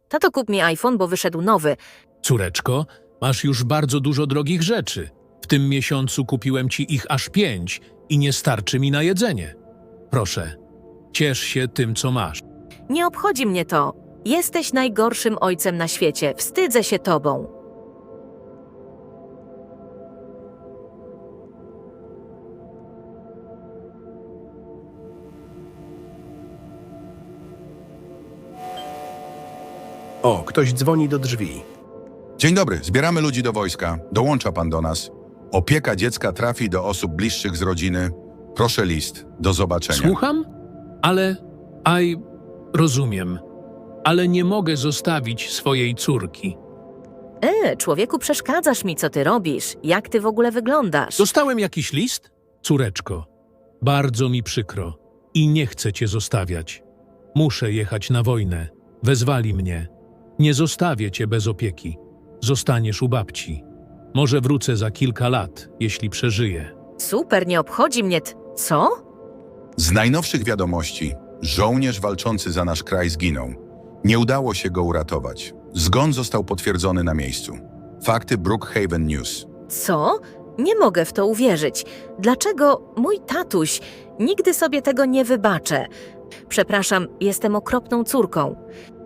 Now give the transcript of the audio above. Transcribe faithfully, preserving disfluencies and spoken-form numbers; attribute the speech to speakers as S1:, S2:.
S1: Tato, kup mi iPhone, bo wyszedł nowy.
S2: Córeczko, masz już bardzo dużo drogich rzeczy. W tym miesiącu kupiłem ci ich aż pięć i nie starczy mi na jedzenie. Proszę, ciesz się tym, co masz.
S1: Nie obchodzi mnie to. Jesteś najgorszym ojcem na świecie. Wstydzę się tobą.
S3: O, ktoś dzwoni do drzwi.
S4: Dzień dobry, zbieramy ludzi do wojska. Dołącza pan do nas. Opieka dziecka trafi do osób bliższych z rodziny. Proszę list. Do zobaczenia.
S2: Słucham? Ale... Aj... Rozumiem. Ale nie mogę zostawić swojej córki.
S1: E, człowieku, przeszkadzasz mi, co ty robisz. Jak ty w ogóle wyglądasz?
S2: Dostałem jakiś list? Córeczko, bardzo mi przykro i nie chcę cię zostawiać. Muszę jechać na wojnę. Wezwali mnie. Nie zostawię cię bez opieki. Zostaniesz u babci. Może wrócę za kilka lat, jeśli przeżyję.
S1: Super, nie obchodzi mnie t... Co?
S4: Z najnowszych wiadomości. Żołnierz walczący za nasz kraj zginął. Nie udało się go uratować. Zgon został potwierdzony na miejscu. Fakty Brookhaven News.
S1: Co? Nie mogę w to uwierzyć. Dlaczego mój tatuś? Nigdy sobie tego nie wybaczę. Przepraszam, jestem okropną córką.